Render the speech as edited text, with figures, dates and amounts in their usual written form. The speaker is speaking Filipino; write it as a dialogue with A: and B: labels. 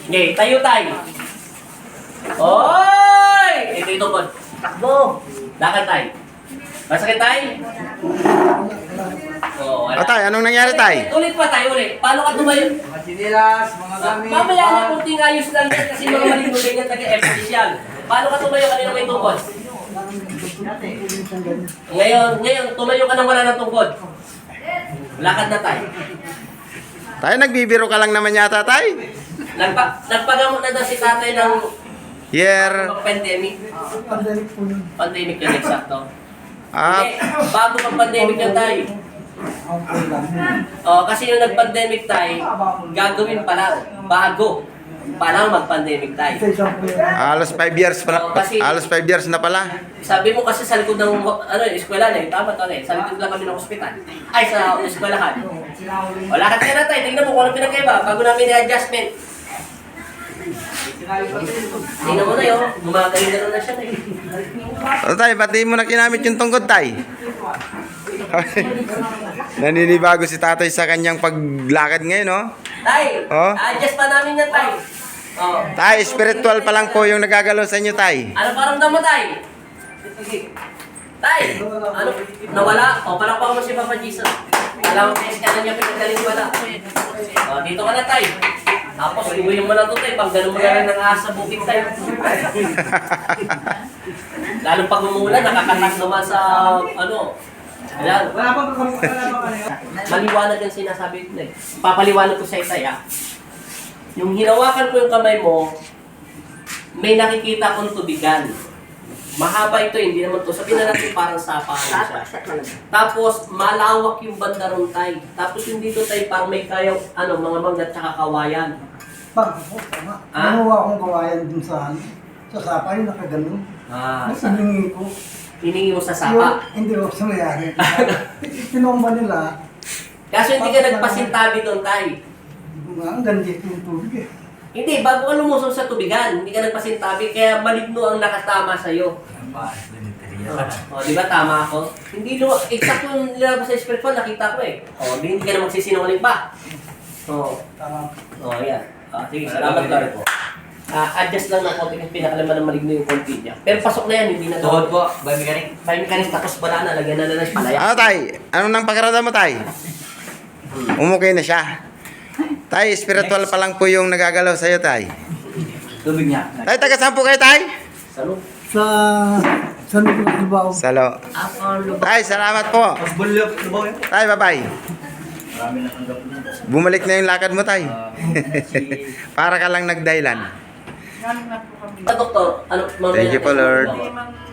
A: Okay, tayo tayo. Oy! Ito po. Takbo. Lakad tayo. Masakit tayo? Oh, wala.
B: Tay, anong nangyari tay?
A: Ulit pa tayo ulit. Paano ka tumayo?
C: Mga sinilas, mga gamit.
A: Mamaya na kunting ayos lang yan kasi mga maling yan taga-official. Paano ka tumayo kanina may tungkod? Ngayon, tumayo ka nang wala ng tungkod. Lakad na tayo.
B: Tay, nagbibiro ka lang naman yata tay.
A: Nagpagamot na daw si tatay ng pandemic. Pandemic yun, eksakto. Hindi, bago mag-pandemic yun tayo. Kasi yung nag-pandemic tayo, gagawin pa lang, bago pa lang mag-pandemic tayo.
B: Halos 5 years pala. Halos 5 years na pala.
A: Sabi mo kasi sa likod ng eskwela na, tama to sa likod lang kami ng ospital. Ay, sa eskwelahan. Wala ka na tayo, tingnan mo kung ano pinagkaiba, bago namin i-adjustment. Tingnan mo na yun, gumagaling na siya tayo.
B: O tay, pati mo na kinamit yung tungkod tay. Naninibago si tatay sa kanyang paglakad ngayon, no?
A: Tay,
B: Oh?
A: adjust pa namin yan, tay. Oh.
B: Tay, spiritual pa lang po yung nagagalaw sa inyo, tay.
A: Ano paramdam mo, tay? Tay, ano, nawala? O, palakpakan mo si Papa Jesus. Alam mo, kasi ka na niya pinagaling wala. O, dito ka na, tay. Tapos, ibuhin mo lang ito, tay. Pag ganun mo na rin ng ahas sa bukid, tay. Lalo pag umulan, nakakatas naman sa, ayan.
C: Wala pang ano yun?
A: Maliwanag yung sinasabi ko na eh. Papaliwanag ko sa itay Yung hinawakan ko yung kamay mo, may nakikita kong tubigan. Mahaba ito, hindi naman to. Sabihin na natin parang sapa siya. Tapos malawak yung banda ron tay. Tapos yung dito tay parang may kayaw, mga mangga at saka kawayan.
D: Nakuha akong kawayan dun sa sapa yung nakaganon. Siningi ko.
A: Hiningi mo sa sapa.
D: Hindi ko sa mayari. Pinomba nila.
A: Kaso hindi ka nagpasintabi doon tay.
D: Ang ganit yung tubig eh.
A: Hindi, bago ka lumusong sa tubigan, hindi ka nagpasintabi, kaya maligno ang nakatama sa'yo. Di ba tama ako? Hindi exact yung nilabas sa spiritual, nakita ko eh. Hindi ka na magsisinungaling pa.
D: Tama.
A: Yan. Sige, salamat ka rin po. Adjust lang ng konti kasi pinakalaman ng maligno yung konti niya. Pero pasok na yan, hindi na
C: Tuhod po, biomechanic.
A: Biomechanic, tapos wala na, lagyan na ng palaya.
B: Ano tay? Ano nang pakiramdam mo tay? Umukay na siya. Tay, spiritual pa lang po yung nagagalaw sa'yo tay.
C: Tubig niya.
B: Tay, taga saan po kayo tay?
A: Salo?
D: Sa Lubao.
B: Salo. Tay, salamat po.
C: Mas bulok, lubaw yun.
B: Tay, bye-bye.
C: Marami na tanggap na.
B: Bumalik na yung lakad mo tay. Para ka lang nagdahilan.
A: Doktor,
B: Thank you po, Lord.